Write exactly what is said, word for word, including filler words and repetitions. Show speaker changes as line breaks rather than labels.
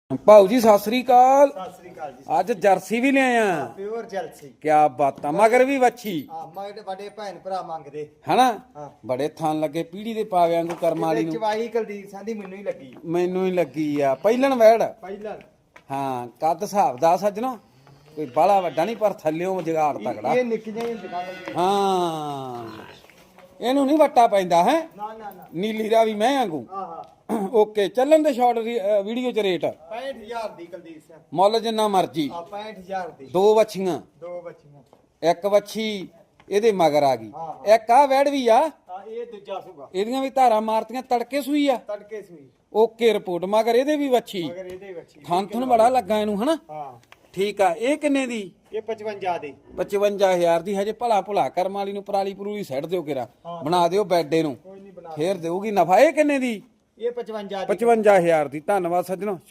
ਭਾਊ ਜੀ ਸਤਿ ਸ੍ਰੀ ਅਕਾਲ।
ਸਤਿ ਸ੍ਰੀ ਅਕਾਲ ਜੀ।
ਅੱਜ ਜਰਸੀ ਵੀ ਲਿਆਇਆ।
Pure jealousy.
ਕਿਆ ਬਾਤਾਂ, ਮਗਰ ਵੀ ਵੱਛੀ।
ਹਾਂ ਮਗਰ ਵੱਡੇ ਭੈਣ ਭਰਾ ਮੰਗਦੇ
ਹਨਾ
ਹਾਂ।
ਬੜੇ ਥਣ ਲੱਗੇ ਪੀੜੀ ਦੇ ਪਾਵੇ ਵਾਂਗੂ ਕਰਮ ਵਾਲੀ ਨੂੰ।
ਚਵਾਈ ਕੁਲਦੀਪ ਸਿੰਘ ਦੀ ਮੈਨੂੰ ਹੀ ਲੱਗੀ।
ਮੈਨੂੰ ਹੀ ਲੱਗੀ ਆ ਪਹਿਲਣ ਵੈੜ।
ਪਹਿਲਾਂ
ਹਾਂ ਕੱਦ ਹਿਸਾਬ ਦਾ ਸੱਜਣੋ, ਕੋਈ ਬਾਹਲਾ ਵੱਡਾ ਨਹੀਂ ਪਰ ਥੱਲਿਓਂ ਜਗਾੜ ਤਗੜਾ।
ਇਹ ਨਿੱਕੀਆਂ ਹੀ ਦੁਕਾਨਾਂ।
ਹਾਂ ਇਹਨੂੰ ਨਹੀਂ ਵੱਟਾ ਪੈਂਦਾ ਹੈ।
ਨਾ ਨਾ ਨਾ
ਨੀਲੀ ਦਾ ਵੀ ਮੈਂ ਵਾਂਗੂ।
ਹਾਂ ਹਾਂ
ਓਕੇ ਚੱਲਣ ਦੇ ਸ਼ਾਰਟ ਵੀਡੀਓ ਚ ਰੇਟ
ਪੈਂਹਠ ਹਜ਼ਾਰ ਦੀ ਕੁਲਦੀਪ ਸਿੰਘ।
ਮੁੱਲ ਜਿੰਨਾ ਮਰਜੀ।
ਆ ਪੈਂਹਠ ਹਜ਼ਾਰ ਦੀ
ਦੋ ਵੱਛੀਆਂ,
ਦੋ ਬੱਚੀਆਂ।
ਇੱਕ ਵੱਛੀ ਇਹਦੇ ਮਗਰ ਆ ਗਈ,
ਹਾਂ।
ਇੱਕ ਆ ਵੈੜ ਵੀ ਆ।
ਆ ਇਹ ਦੂਜਾ ਸੁਗਾ
ਇਹਦੀਆਂ ਵੀ ਧਾਰਾਂ ਮਾਰਤੀਆਂ ਤੜਕੇ ਸੂਈ ਆ।
ਤੜਕੇ ਸੂਈ
ਓਕੇ ਰਿਪੋਰਟ ਮਗਰ ਇਹਦੇ ਵੀ ਵੱਛੀ।
ਮਗਰ ਇਹਦੇ ਬੱਚੀ
ਥਣ ਥਣ ਬੜਾ ਲੱਗਾ ਇਹਨੂੰ ਹਨਾ।
ਹਾਂ
ਠੀਕ ਆ। ਇਹ ਕਿੰਨੇ ਦੀ?
ਇਹ ਪਚਵੰਜਾ ਦੀ।
ਪਚਵੰਜਾ ਹਜ਼ਾਰ ਦੀ। ਹਜੇ ਭਲਾ ਭੁਲਾ ਕਰਮ ਵਾਲੀ ਨੂੰ ਪਰਾਲੀ ਪਰੂਲੀ ਸੱਟ ਦਿਓ ਕਿਰਾ,
ਹਾਂ।
ਬਣਾ ਦਿਓ ਬੈਡੇ ਨੂੰ,
ਕੋਈ ਨਹੀਂ ਬਣਾ
ਫੇਰ ਦੇਊਗੀ ਨਫਾ। ਇਹ ਕਿੰਨੇ ਦੀ?
ਇਹ ਪਚਵੰਜਾ ਦੀ।
ਪਚਵੰਜਾ ਹਜ਼ਾਰ ਦੀ। ਧੰਨਵਾਦ ਸੱਜਣੋ।